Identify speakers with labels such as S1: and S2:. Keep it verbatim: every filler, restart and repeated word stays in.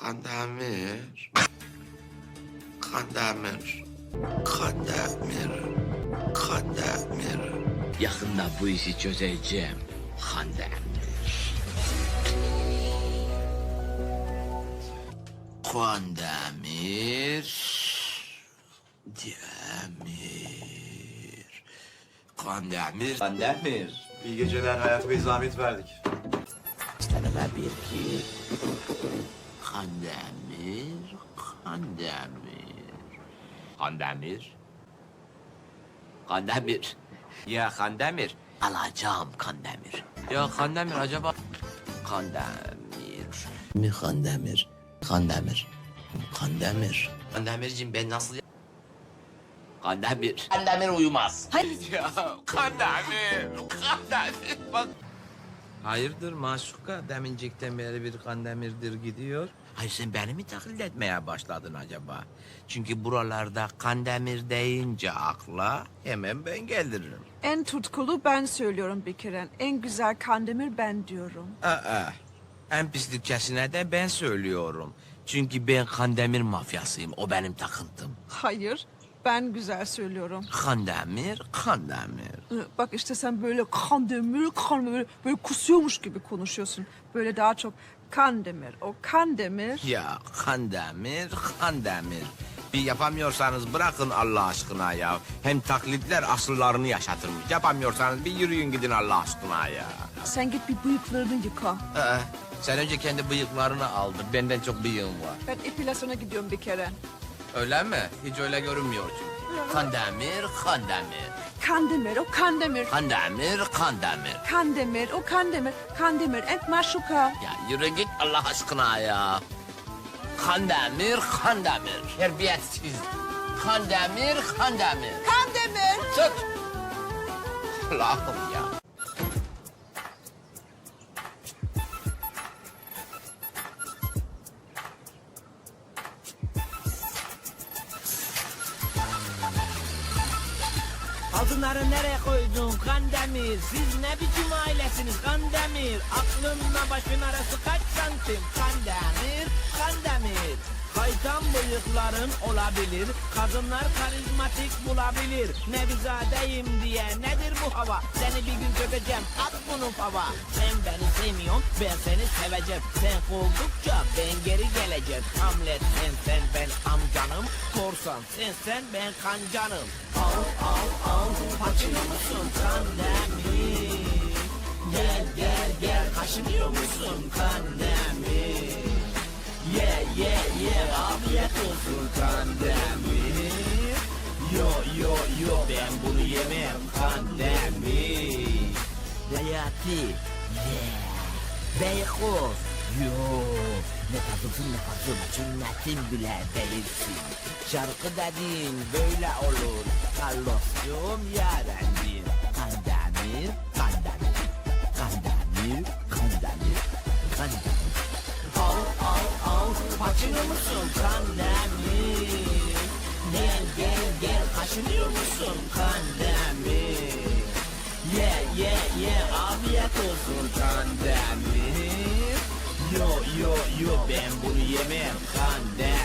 S1: Kandemir. Kandemir. Kandemir. Kandemir.
S2: Yakında bu işi çözeceğim. Kandemir. Kandemir. Demir. Kandemir. Kandemir.
S3: İyi geceler Hayat Bey, zahmet verdik.
S2: Tanıma bir ki. Kandemir. Kandemir. Kandemir. Kandemir. Ya Kandemir. Alacağım Kandemir. Ya Kandemir acaba... Kandemir. Mi Kandemir? Kandemir. Kandemir. Kandemirciğim ben nasıl... Kandemir. Kandemir uyumaz.
S4: Hayır.
S2: Ya Kandemir. Kandemir. Bak. Hayırdır Maşuka? Demincikten beri bir Kandemir'dir gidiyor. Hayır sen beni mi taklit etmeye başladın acaba? Çünkü buralarda Kandemir deyince akla hemen ben gelirim.
S4: En tutkulu ben söylüyorum bir kere. En güzel Kandemir ben diyorum.
S2: Aa, en pislikçesine de ben söylüyorum. Çünkü ben Kandemir mafyasıyım. O benim takıntım.
S4: Hayır, ben güzel söylüyorum.
S2: Kandemir, Kandemir.
S4: Ee, Bak işte sen böyle Kandemir, Kandemir böyle kusuyormuş gibi konuşuyorsun. Böyle daha çok Kandemir, o Kandemir.
S2: Ya Kandemir, Kandemir. Bir yapamıyorsanız bırakın Allah aşkına ya. Hem taklitler asıllarını yaşatırmış. Yapamıyorsanız bir yürüyün gidin Allah aşkına ya.
S4: Sen git bir bıyıklarını yıka.
S2: Aa, sen önce kendi bıyıklarını aldır. Benden çok bıyığım var.
S4: Ben epilasyona gidiyorum bir kere.
S2: Öyle mi? Hiç öyle görünmüyor çünkü. Kandemir, Kandemir.
S4: Kandemir, o Kandemir.
S2: Kandemir, Kandemir.
S4: Kandemir, o Kandemir. Kandemir, et maşuka.
S2: Ya yürü git Allah aşkına ya. Kandemir, Kandemir. Terbiyesiz. Kandemir, Kandemir.
S4: Kandemir.
S2: Tut. Allah'ım ya.
S5: Altınları nereye koydun Kandemir? Siz ne biçim ailesiniz Kandemir? Aklınla başın arası kaç santim Kandemir? Kandemir. Kaytan bıyıkların olabilir, kadınlar karizmatik bulabilir. Nevizadeyim diye nedir bu hava? Seni bir gün çökeceğim, at bunu fava. Sen beni sevmiyorsun, ben seni seveceğim. Sen kovdukça ben geri geleceğim. Hamlet sen sen ben amcanım, korsan sen sen ben kancanım. Al al al, paçıyor musun Kandemir? Gel gel gel, kaşınıyor musun Kandemir? Yeah yeah yeah, afiyet olsun Kandemir. Yo yo yo, ben bunu yemem Kandemir. Hayati, yeah. Beykoz, yo. Ne tatlısın ne tatlısın, cümletin bile değilsin. Şarkı dediğin böyle olur, Carlos'cum yarendir. Kandemir, Kandemir, Kandemir, Kandemir, Kandemir. Al al al, paçıyor musun Kandemir? Gel gel gel, kaşınıyor musun Kandemir? Ye ye ye, afiyet olsun Kandemir. Yo yo yo, ben bunu yemem Kandemir.